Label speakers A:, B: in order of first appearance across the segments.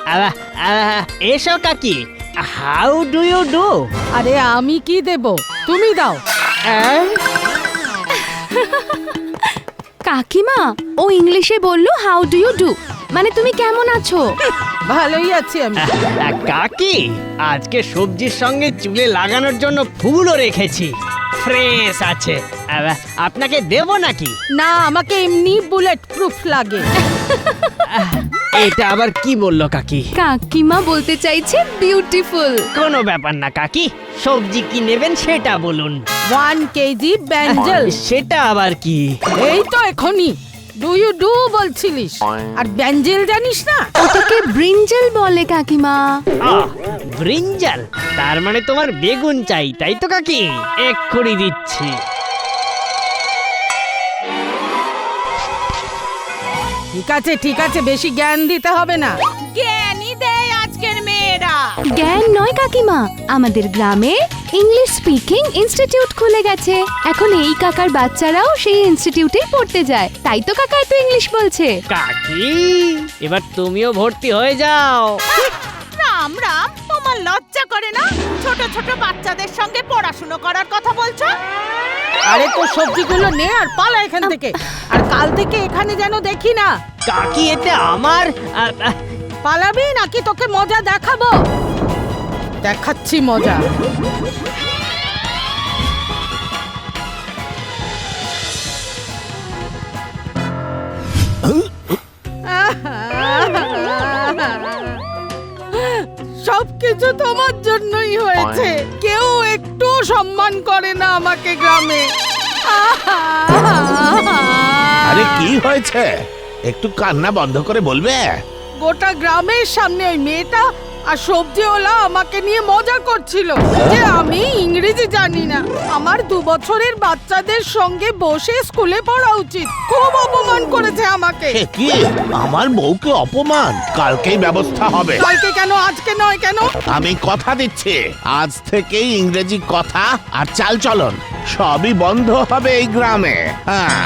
A: এসো কাকি, how do you do?
B: আরে আমি কি দেব, তুমি দাও।
C: কাকিমা ও ইংলিশে বললো হাউ ডু ইউ ডু, মানে তুমি কেমন আছো?
B: ভালোই আছি আমি।
A: কাকি, আজকে সবজির সঙ্গে চুলে লাগানোর জন্য ফুলও রেখেছি, ফ্রেশ আছে। আপনাকে দেব নাকি?
B: না, আমাকে এমনি বুলেট প্রুফ লাগে।
A: এটা আবার কি বললো কাকি?
C: কাকিমা বলতে চাইছে বিউটিফুল।
A: কোনো ব্যাপার না কাকি, সবজি কি নেবেন সেটা বলুন।
B: 1 কেজি ব্যাঞ্জেল।
A: সেটা আবার কি?
B: এই তো এখনই ডু ইউ ডু বলছিলিস, আর ব্যাঞ্জেল জানিস না?
C: ওটাকে ব্রিঞ্জাল বলে কাকিমা।
A: ব্রিঞ্জাল, তার মানে তোমার বেগুন চাই, তাই তো কাকি? এক্ষুনি দিচ্ছি।
B: ঠিক আছে, বেশি জ্ঞান দিতে হবে না। জ্ঞানই দেয় আজকের মেয়েরা।
C: জ্ঞান নয় কাকিমা, আমাদের গ্রামে ইংলিশ স্পিকিং ইনস্টিটিউট খুলে গেছে। এখন এই কাকার বাচ্চারাও সেই ইনস্টিটিউটেই পড়তে যায়, তাই তো কাকা এত ইংলিশ বলছে।
A: কাকি, এবার তুমিও ভর্তি হয়ে যাও।
B: রাম রাম, তোমার লজ্জা করে না? ছোট ছোট বাচ্চাদের সঙ্গে পড়াশুনো করার কথা বলছো? আরে তো সবজিগুলো নে আর পালা এখান থেকে, আর কাল থেকে এখানে যেন দেখি না।
A: কাকি, এতে আমার
B: পালাবি নাকি তোকে মজা দেখাবো? দেখাচ্ছি মজা। সবকিছু তোমার জন্যই হয়েছে, কেউ একটু সম্মান করে না আমাকে গ্রামে।
D: আরে কি হয়েছে, একটু কান্না বন্ধ করে বলবে?
B: গোটা গ্রামের সামনে ওই মেয়েটা আর সবজিওয়ালা আমাকে নিয়ে মজা করছিল যে আমি ইংরেজি জানি না। আমার 2 বছরের বাচ্চাদের সঙ্গে বসে স্কুলে পড়া উচিত। খুব অপমান করেছে আমাকে।
D: সে কি, আমার বউকে অপমান? কালকেই ব্যবস্থা হবে।
B: কালকে কেন, আজকে নয় কেন?
D: আমি কথা দিচ্ছি, আজ থেকেই ইংরেজি কথা আর চালচলন সবই বন্ধ হবে এই গ্রামে। হ্যাঁ,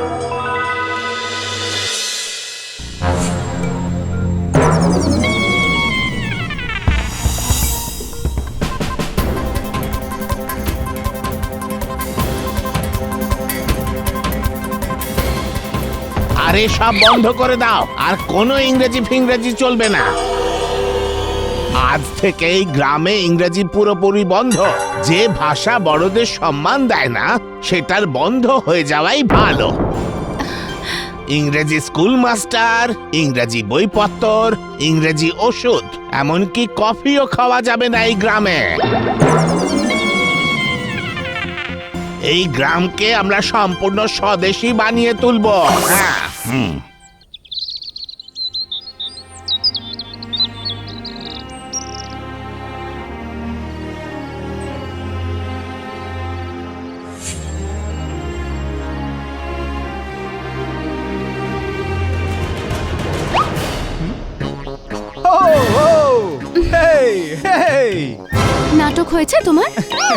D: আরে সব বন্ধ করে দাও, আর কোনো ইংরেজি ফিংরেজি চলবে না। আজ থেকে এই গ্রামে ইংরেজি পুরোপুরি বন্ধ। যে ভাষা বড়দের সম্মান দেয় না, সেটার বন্ধ হয়ে যাওয়াই ভালো। ইংরেজি স্কুল মাস্টার, ইংরেজি বইপত্র, ইংরেজি ওষুধ, এমনকি কফিও খাওয়া যাবে না এই গ্রামে। এই গ্রামকে আমরা সম্পূর্ণ স্বদেশী বানিয়ে তুলব। হ্যাঁ,
C: নাটক হয়েছে তোমার?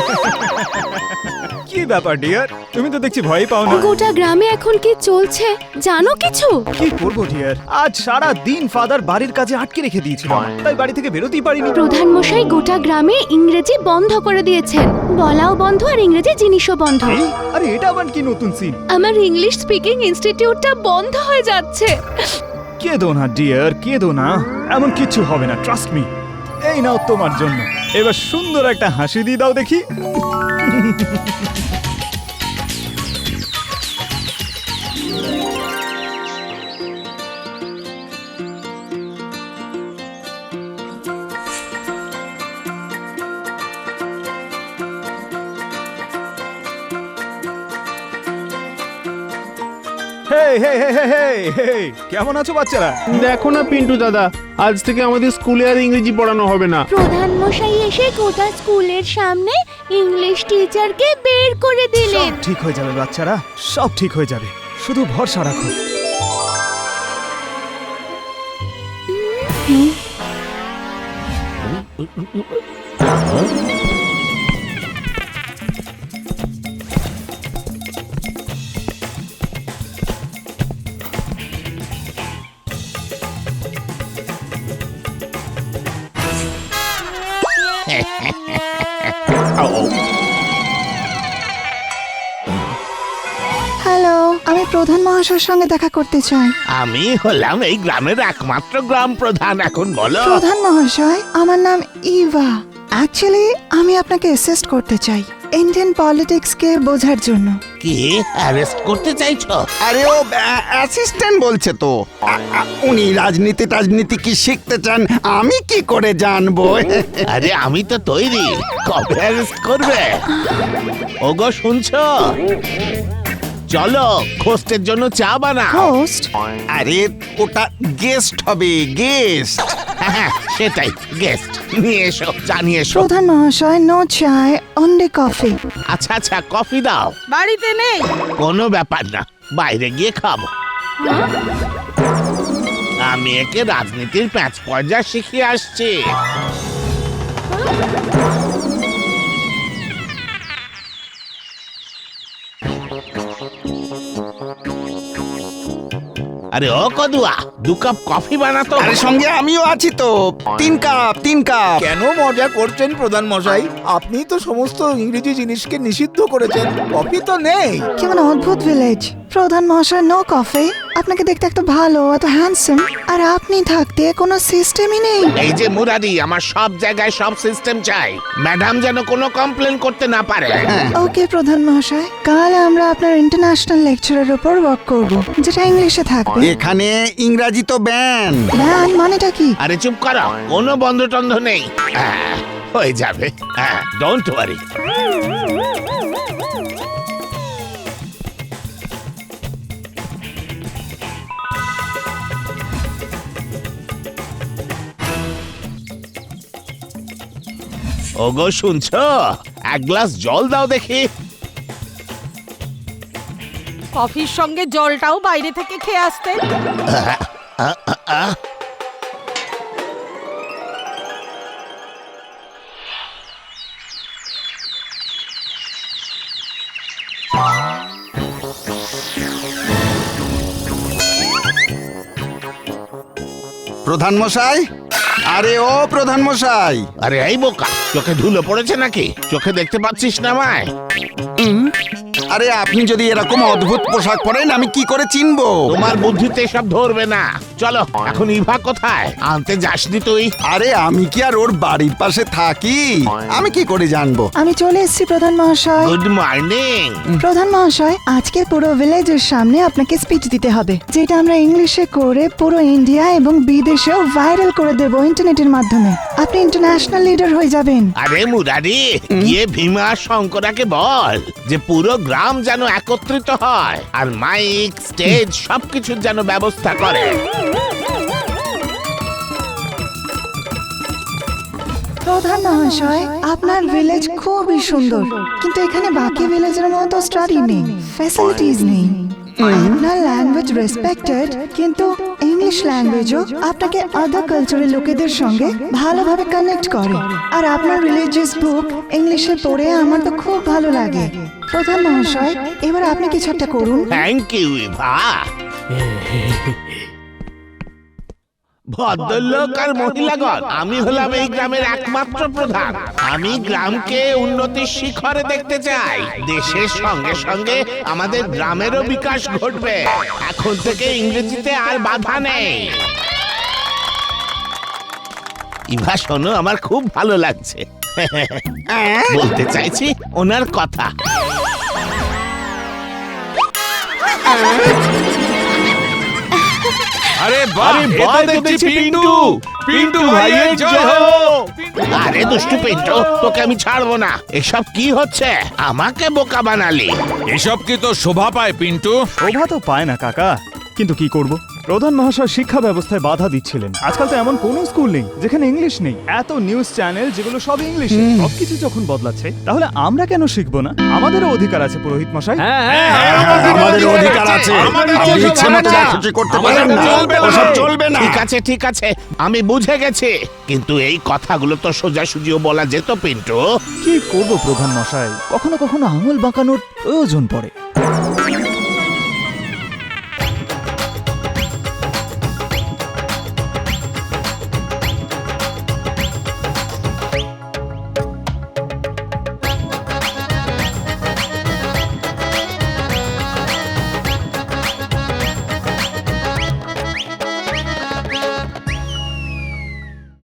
E: কি ব্যাপার ডিয়ার, তুমি তো দেখছি ভয় পাও না।
C: গোটা গ্রামে এখন কি চলছে জানো কিছু?
E: কি করবো ডিয়ার, আজ সারা দিন ফাদার বাড়ির কাজে আটকে রেখে দিয়েছিল, তাই বাড়ি থেকে বেরোতেই পারিনি।
C: প্রধান মশাই গোটা গ্রামে ইংরেজি বন্ধ করে দিয়েছেন, বলাও বন্ধ আর ইংরেজি জিনিসও বন্ধ।
E: আরে এটা আবার কি নতুন সিন?
C: আমার ইংলিশ স্পিকিং ইনস্টিটিউটটা বন্ধ হয়ে যাচ্ছে।
E: কেঁদো না ডিয়ার, কেঁদো না, এমন কিছু হবে না, ট্রাস্ট মি। এই নাও তোমার জন্য, এবার সুন্দর একটা হাসি দিয়ে দাও দেখি। কেমন আছো বাচ্চারা?
F: দেখো না পিন্টু দাদা, আজ থেকে আমাদের স্কুলে আর ইংরেজি পড়ানো হবে না।
C: প্রধান মশাই এসে গোটা স্কুলের সামনে ইংলিশ টিচারকে বের করে দিলেন।
E: সব ঠিক হয়ে যাবে বাচ্চারা, সব ঠিক হয়ে যাবে, শুধু ভরসা রাখো।
G: হ্যালো, আমি প্রধান মহাশয়ের সঙ্গে দেখা করতে চাই।
D: আমি হলাম এই গ্রামের একমাত্র গ্রাম প্রধান। এখন বলো।
G: প্রধান মহাশয়, আমার নাম ইভা। অ্যাকচুয়ালি আমি আপনাকে অ্যাসিস্ট করতে চাই ইন্ডিয়ান পলিটিক্স কে বোঝার জন্য।
D: কি অ্যারেস্ট করতে চাইছো?
H: আরে ও অ্যাসিস্ট্যান্ট বলছে তো। উনি রাজনীতি কি শিখতে চান, আমি কি করে জানবো?
D: আরে আমি তো তৈরি। কবে অ্যারেস্ট করবে? ওগো শুনছো? চলো হোস্টের জন্য চা বানাও।
G: হোস্ট?
H: আরে ওটা গেস্ট হবে, গেস্ট।
D: হ্যাঁ সেটাই, গেস্ট। নিয়ে এসো, চা নিয়ে এসো।
G: প্রধান মহাশয়, নো চায়, অনলি কফি।
D: আচ্ছা আচ্ছা, কফি দাও।
B: বাড়িতে নেই।
D: কোনো ব্যাপার না, বাইরে গিয়ে খাবো। আমি একে রাজনীতির প্যাঁচ পর্যা শিখিয়ে আসছি। আরে ও কদুয়া, 2 কাপ কফি বানাতো।
H: আরে সঙ্গে আমিও আছি তো। 3 কাপ 3 কাপ।
I: কেন মজা করছেন প্রধান মশাই? আপনি তো সমস্ত ইংরেজি জিনিসকে নিষিদ্ধ করেছেন, কফি তো নেই।
G: কেমন অদ্ভুত ভিলেজ। প্রধান মহাশয়, নো কফি। আপনাকে দেখতে এত ভালো, এত হ্যান্ডসাম, আর আপনি থাকতে কোনো সিস্টেমই নেই।
D: এই যে মুরারি, আমার সব জায়গায় সব সিস্টেম চাই। ম্যাডাম যেন কোনো কমপ্লেন করতে না পারে।
G: ওকে প্রধান মহাশয়, কাল আমরা আপনার ইন্টারন্যাশনাল লেকচারের উপর ওয়ার্ক করব, যেটা ইংলিশে থাকবে।
H: এখানে ইংরাজি তো ব্যান।
G: ব্যান মানেটা কি?
D: আরে চুপ করো, কোনো বন্ধ টন্ধ নেই। হয়ে যাবে, ডোন্ট ওয়ারি। ওগো শুনছো? 1 গ্লাস জল দাও দেখি।
B: কফির সঙ্গে জলটাও বাইরে থেকে খেয়ে আসতেন।
H: প্রধান মশাই, আরে ও প্রধান মশাই।
D: আরে এই বোকা, চোখে ধুলো পড়েছে নাকি? চোখে দেখতে পাচ্ছিস না আমায়?
H: আরে আপনি যদি এরকম অদ্ভুত পোশাক পরেন, আমি কি করে চিনবো?
D: তোমার বুদ্ধিতে সব ধরবে না। চলো, এখন ইভা কোথায়? আনতে যাসনি তুই?
H: আরে আমি কি আর ওর বাড়ির পাশে থাকি? আমি কি করে জানবো?
G: আমি চলে এসেছি প্রধান মহাশয়।
D: Good morning.
G: প্রধান মহাশয়, আজকে পুরো ভিলেজের সামনে আপনাকে স্পিচ দিতে হবে, যেটা আমরা ইংলিশে করে পুরো ইন্ডিয়া এবং বিদেশেও ভাইরাল করে দেব ইন্টারনেটের মাধ্যমে। আপনি ইন্টারন্যাশনাল লিডার হয়ে যাবেন।
D: আরে মুরারি, গিয়ে ভীমা শঙ্করাকে বল যে পুরো গ্রাম যেন একত্রিত হয় আর মাইক, স্টেজ সবকিছুর যেন ব্যবস্থা করে।
G: প্রধান মহাশয়, আপনার ভিলেজ খুবই সুন্দর, কিন্তু এখানে বাকি ভিলেজের মতো স্টাডি নেই, ফ্যাসিলিটিজ নেই। আপনার ল্যাঙ্গুয়েজ রেসপেক্টেড, কিন্তু ইংলিশ ল্যাঙ্গুয়েজও আপনাকে আদার কালচারের লোকেদের সঙ্গে ভালোভাবে কানেক্ট করে। আর আপনার রিলিজিয়াস বুক ইংলিশে পড়ে আমার তো খুব ভালো লাগে। প্রধান মহাশয়, এবার আপনি কিছু একটা করুন।
D: Thank you Eva. ভদ্রলোক আর মহিলাগণ, আমি হলাম এই গ্রামের একমাত্র প্রধান। আমি গ্রামকে উন্নতির শিখরে দেখতে চাই। দেশের সঙ্গে সঙ্গে আমাদের গ্রামেরও বিকাশ ঘটবে। এখন থেকে ইংরেজিতে আর বাধা নেই। ইভা শোনো, আমার খুব ভালো লাগছে। বলতে চাইছি ওনার কথা।
F: আরে বাহ, এটা দেখছি পিন্টু। পিন্টু ভাইয়ের জয় হোক।
D: আরে দুষ্টু পিন্টু, তোকে আমি ছাড়বো না। এসব কি হচ্ছে? আমাকে বোকা বানালি।
F: এসব কি তো শোভা পায় পিন্টু?
E: শোভা তো পায় না কাকা, কিন্তু কি করব? প্রধান মহাশয় শিক্ষা ব্যবস্থায় বাধা দিচ্ছিলেন। আজকাল তো এমন কোনো স্কুল নেই যেখানে ইংলিশ নেই। এত নিউজ চ্যানেল যেগুলো সব ইংলিশে, সবকিছু যখন বদলাচ্ছে, তাহলে আমরা কেন শিখবো না? আমাদেরও অধিকার আছে পুরোহিত মশাই।
H: আমাদের অধিকার আছে। আপনি ইচ্ছে মতো যা খুশি করতে পারেন না। ওসব চলবে না।
D: ঠিক আছে ঠিক আছে, আমি বুঝে গেছি, কিন্তু এই কথাগুলো তো সোজাসুজিও বলা যেত পিন্টু।
E: কি করব প্রধান মশাই, কখনো কখনো আঙুল বাঁকানোর প্রয়োজন পড়ে।